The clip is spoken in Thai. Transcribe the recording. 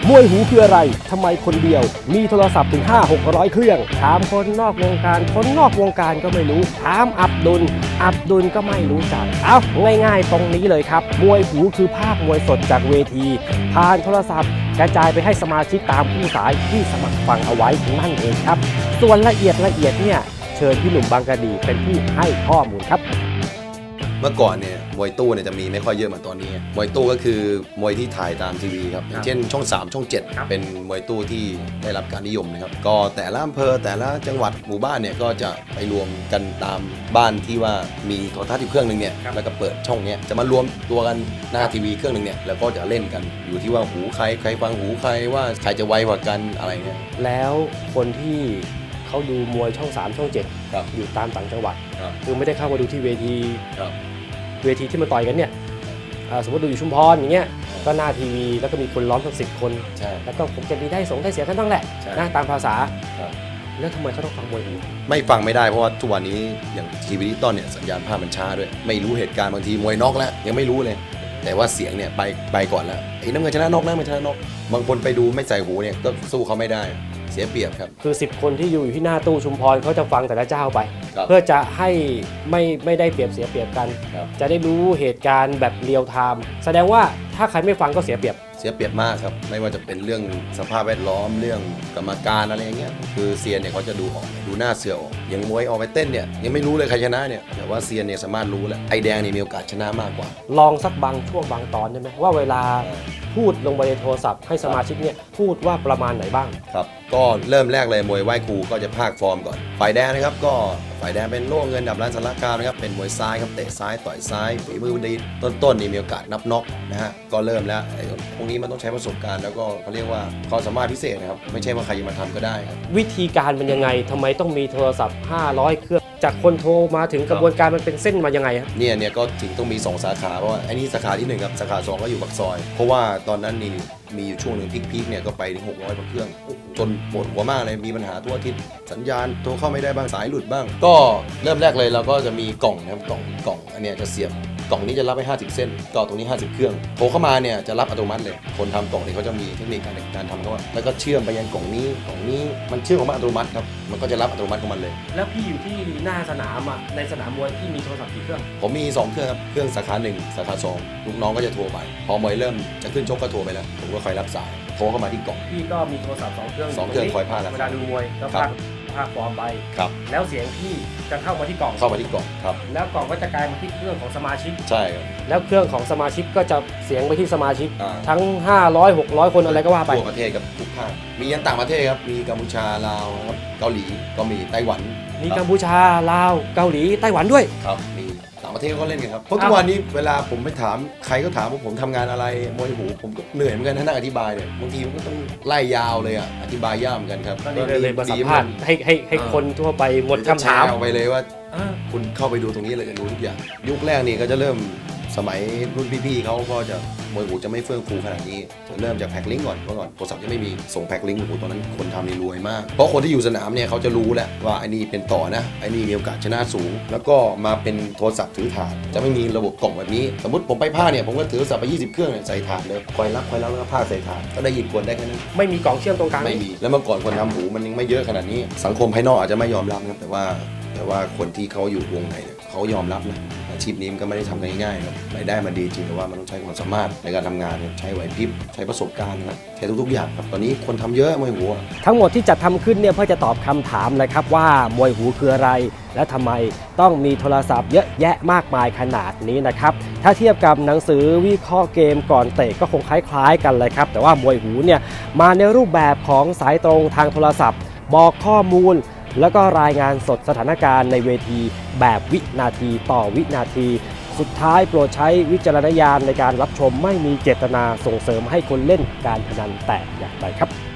มวยหูคืออะไรทำไมคนเดียวมีโทรศัพท์ถึง500-600 เครื่องถามคนนอกวงการคนนอกวงการก็ไม่รู้ถามอับดุลก็ไม่รู้จักเอาง่ายๆตรงนี้เลยครับมวยหูคือภาพมวยสดจากเวทีผ่านโทรศัพท์กระจายไปให้สมาชิกตามผู้สายที่สมัครฟังเอาไว้นั่นเองครับส่วนละเอียดเนี่ยเชิญพี่หนุ่มบางกะดีเป็นผู้ให้ข้อมูลครับเมื่อก่อนเนี่ยมวยตู้เนี่ยจะมีไม่ค่อยเยอะเหมือนตอนนี้มวยตู้ก็คือมวยที่ถ่ายตามทีวีครับอย่างเช่นช่อง3ช่อง7เป็นมวยตู้ที่ได้รับการนิยมนะครับก็แต่ละอำเภอแต่ละจังหวัดหมู่บ้านเนี่ยก็จะไปรวมกันตามบ้านที่ว่ามีโทรทัศน์อยู่เครื่องนึงเนี่ยแล้วก็เปิดช่องเนี้ยจะมารวมตัวกันหน้าทีวีเครื่องนึงเนี่ยแล้วก็จะเล่นกันอยู่ที่ว่าหูใครฟังหูใครว่าใครจะไวกว่ากันอะไรเงี้ยแล้วคนที่เขาดูมวยช่อง3ช่อง7อยู่ตามต่างจังหวัดคือไม่ได้เข้ามาดูที่เวทีที่มาต่อยกันเนี่ยสมมติดูอยู่ชุมพรอย่างเงี้ยก็หน้าทีวีแล้วก็มีคนล้อมทั้ง10 คนแล้วก็ผมจะดีได้เสียกันบ้างแหละนะตามภาษาแล้วทำไมเขาต้องฟังมวยหูไม่ฟังไม่ได้เพราะว่าทุกวันนี้อย่างทีวีดิจิตอลเนี่ยสัญญาณภาพมันช้าด้วยไม่รู้เหตุการณ์บางทีมวยน็อกแล้วยังไม่รู้เลยแต่ว่าเสียงเนี่ยไปก่อนแล้วไอ้น้ำเงินชนะน็อกนะมันชนะน็อกบางคนไปดูไม่ใส่หูเนี่ยก็สู้เขาไม่ได้เสียเปรียบครับคือ10 คนที่อยู่ที่หน้าตู้ชุมพรเขาจะฟังแต่ละเจ้าไปเพื่อจะให้ไม่ได้เปรียบเสียเปรียบกันจะได้รู้เหตุการณ์แบบเรียลไทม์แสดงว่าถ้าใครไม่ฟังก็เสียเปรียบมากครับไม่ว่าจะเป็นเรื่องสภาพแวดล้อมเรื่องกรรมการอะไรอย่างเงี้ยคือเซียนเนี่ยเขาจะดูออกดูหน้าเสือออกอย่างมวยออกไปเต้นเนี่ยยังไม่รู้เลยใครชนะเนี่ยแต่ว่าเซียนเนี่ยสามารถรู้แล้วไอแดงนี่มีโอกาสชนะมากกว่าลองสักบางช่วงบางตอนได้ไหมว่าเวลาพูดลงไปในโทรศัพท์ให้สมาชิกเนี่ยพูดว่าประมาณไหนบ้างครับก็เริ่มแรกเลยมวยไหว้ครูก็จะพากฟอร์มก่อนฝ่ายแดงนะครับก็ฝ่ายแดงเป็นโล่เงินดับร้านสารคามนะครับเป็นมวยซ้ายครับเตะซ้ายต่อยซ้ายฝีมือดีต้นนี่มีโอกาสนับน็อกนะฮะก็เริ่มแล้วพวกนี้มันต้องใช้ประสบการณ์แล้วก็เขาเรียกว่าความสามารถพิเศษนะครับไม่ใช่ว่าใครจะมาทำก็ได้ครับวิธีการมันยังไงทำไมต้องมีโทรศัพท์500 เครื่องจากคนโทรมาถึงกระบวนการมันเป็นเส้นมายังไงครับเนี่ยก็ถึงต้องมี2สาขาเพราะว่าไอ้นี่สาขาที่1ครับสาขา2ก็อยู่ปากซอยเพราะว่าตอนนั้นนี่มีอยู่ช่วงหนึ่งพีคเนี่ยก็ไปถึง600 กว่าเครื่องจนปวดหัวมากเลยมีปัญหาทั่วอาทิตย์สัญญาณโทรเข้าไม่ได้บ้างสายหลุดบ้างก็เริ่มแรกเลยเราก็จะมีกล่องนะครับกล่องอันเนี้ยจะเสียบกล่องนี้จะรับไป50 เส้นก็ตรงนี้50 เครื่องโทรเข้ามาเนี่ยจะรับอัตโนมัติเลยคนทำกล่องนี้เขาจะมีเทคนิคการทำเขาว่าแล้วก็เชื่อมไปยังกล่องนี้มันเชื่อมของมันอัตโนมัติครับมันก็จะรับอัตโนมัติของมันเลยแล้วพี่อยู่ที่หน้าสนามอ่ะในสนามมวยที่มีโทรศัพท์กี่เครื่องผมมี2เครื่องครับเครื่องสาขา1สาขา2ลูกน้องก็จะโทรไปพอมวยเริ่มจะขึ้นชกก็โทรไปแล้วผมก็คอยรับสายโทรเข้ามาที่กล่องพี่ก็มีโทรศัพท์2 เครื่องคอยพากเวลาดูมวยแล้วพากฟอร์มไปแล้วเสียงพี่จะเข้ามาที่กล่องครับแล้วกล่องก็จะกลายมาที่เครื่องของสมาชิกใช่ครับแล้วเครื่องของสมาชิกก็จะเสียงไปที่สมาชิกทั้ง500-600 คนอะไรก็ว่าไปทั่วประเทศกับทุกภาคมียันต่างประเทศครับมีกัมพูชาลาวครับเกาหลีก็มีไต้หวันมีกัมพูชาลาวเกาหลีไต้หวันด้วยครับมีต่างประเทศก็เล่นกันครับเพราะทุกวันนี้เวลาผมไปถามใครก็ถามว่าผมทำงานอะไรมวยหูผมก็เหนื่อยเหมือนกันนั่งอธิบายเนี่ยบางทีมันก็ต้องไล่ยาวเลยอ่ะอธิบายยากเหมือนกันครับก็เลยมาสัมภาษณ์ให้คนทั่วไปหมดคำถามไปเลยว่าคุณเข้าไปดูตรงนี้เลยจะรู้ทุกอย่างยุคแรกนี่ก็จะเริ่มสมัยรุ่นพี่ๆเขาก็จะมวยหูจะไม่เฟื่องฟูขนาดนี้จะเริ่มจากแพ็คลิงก์ก่อนเมื่อก่อนโทรศัพท์จะไม่มีส่งแพ็คลิงก์โอ้โหตอนนั้นคนทำนี่รวยมากเพราะคนที่อยู่สนามเนี่ยเขาจะรู้แหละว่าไอ้นี่เป็นต่อนะไอ้นี่มีโอกาสชนะสูงแล้วก็มาเป็นโทรศัพท์ถือถาดจะไม่มีระบบกล่องแบบนี้สมมติผมไปผ้าเนี่ยผมก็ถือโทรศัพท์ไป20 เครื่องใส่ถาดเลยคอยรับแล้วก็ผ้าใส่ถาดก็ได้ยินคนได้แค่นั้นไม่มีกล่องเชื่อมตรงกลางไม่มีแล้วเมื่อก่อนคนทำหูมันยังไม่เยอะขนาดนี้สังคมภายนอกอาจจะไม่ยอมรับนะแต่ว่าคนที่เขาอยู่วงในเนี่ยเขายอมรับนะอาชีพนี้มันก็ไม่ได้ทำกันง่ายๆครับรายได้มันดีจริงแต่ว่ามันต้องใช้ความสามารถในการทำงานใช้ไหวพริบใช้ประสบการณ์นะครับใช้ทุกๆอย่างครับตอนนี้คนทำเยอะมวยหูทั้งหมดที่จัดทำขึ้นเนี่ยเพื่อจะตอบคำถามเลยครับว่ามวยหูคืออะไรและทำไมต้องมีโทรศัพท์เยอะแยะมากมายขนาดนี้นะครับถ้าเทียบกับหนังสือวิเคราะห์เกมก่อนเตะก็คงคล้ายๆกันเลยครับแต่ว่ามวยหูเนี่ยมาในรูปแบบของสายตรงทางโทรศัพท์บอกข้อมูลแล้วก็รายงานสดสถานการณ์ในเวทีแบบวินาทีต่อวินาทีสุดท้ายโปรดใช้วิจารณญาณในการรับชมไม่มีเจตนาส่งเสริมให้คนเล่นการพนันแต่อย่างใดครับ